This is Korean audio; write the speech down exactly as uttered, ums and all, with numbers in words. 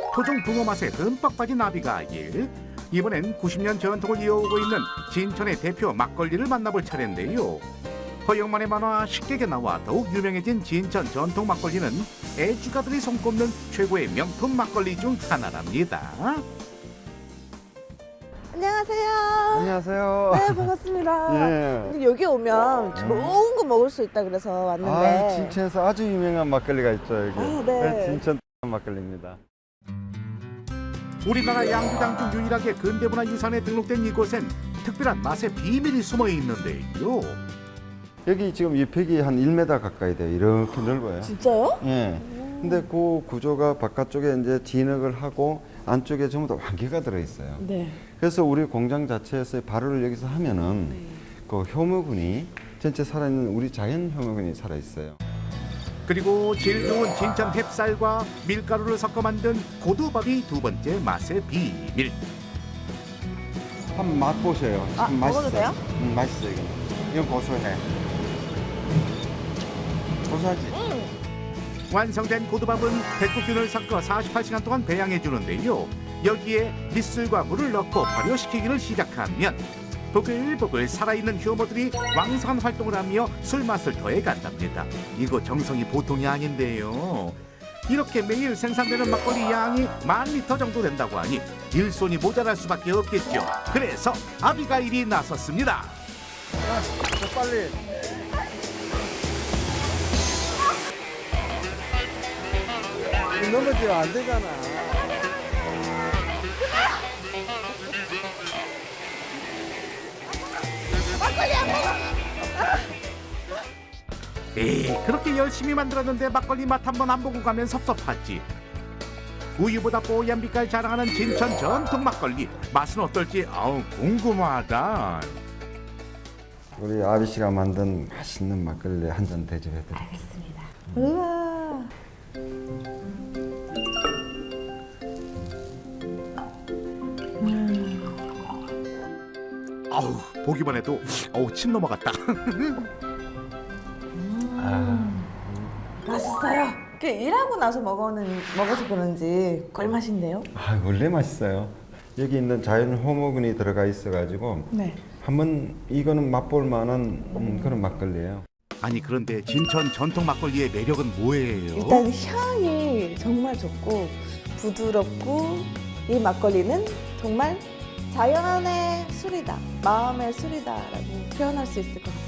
토종 붕어 맛에 흠뻑 빠진 나비가일. 이번엔 구십 년 전통을 이어오고 있는 진천의 대표 막걸리를 만나볼 차례인데요. 허영만의 만화 식객에 나와 더욱 유명해진 진천 전통 막걸리는 애주가들이 손꼽는 최고의 명품 막걸리 중 하나랍니다. 안녕하세요. 안녕하세요. 네, 반갑습니다. 예. 근데 여기 오면 좋은 거 먹을 수 있다 그래서 왔는데. 아, 진천에서 아주 유명한 막걸리가 있죠, 여기. 아, 네. 진천 막걸리입니다. 우리나라 양주장 중 유일하게 근대문화 유산에 등록된 이곳엔 특별한 맛의 비밀이 숨어 있는데요. 여기 지금 잎팩이 한 일 미터 가까이 돼요. 이렇게 넓어요. 진짜요? 예. 근데 그 구조가 바깥쪽에 이제 진흙을 하고 안쪽에 전부 다 환기가 들어 있어요. 네. 그래서 우리 공장 자체에서 발효를 여기서 하면은 그 효모균이 전체 살아있는 우리 자연 효모균이 살아 있어요. 그리고 질 좋은 진천 햅쌀과 밀가루를 섞어 만든 고두밥이 두 번째 맛의 비밀. 한번 맛보세요. 아, 참 먹어도 맛있어요. 돼요? 음, 맛있어요, 이거. 이건 고소해. 고소하지? 완성된 고두밥은 백국균을 섞어 사십팔 시간 동안 배양해 주는데요. 여기에 밑술과 물을 넣고 발효시키기를 시작하면 보글보글 살아있는 효모들이 왕성한 활동을 하며 술맛을 더해간답니다. 이거 정성이 보통이 아닌데요. 이렇게 매일 생산되는 막걸리 양이 만 리터 정도 된다고 하니 일손이 모자랄 수밖에 없겠죠. 그래서 아비가일이 나섰습니다. 더 빨리. 넘어지면 안 되잖아. 에이, 그렇게 열심히 만들었는데 막걸리 맛 한번 안 보고 가면 섭섭하지. 우유보다 뽀얀 빛깔 자랑하는 진천 전통 막걸리 맛은 어떨지 아우 궁금하다. 우리 아비 씨가 만든 맛있는 막걸리 한 잔 대접해 드릴게요. 알겠습니다. 우와. 아우 보기만 해도 어우 침 넘어갔다. 맛있어요. 그 일하고 나서 먹어는, 먹어서 그런지 꿀맛인데요? 아, 원래 맛있어요. 여기 있는 자연 호모균이 들어가 있어가지고 네. 한번 이거는 맛볼 만한 음, 그런 막걸리예요. 아니 그런데 진천 전통 막걸리의 매력은 뭐예요? 일단 향이 정말 좋고 부드럽고 이 막걸리는 정말 자연의 술이다, 마음의 술이다라고 표현할 수 있을 것 같아요.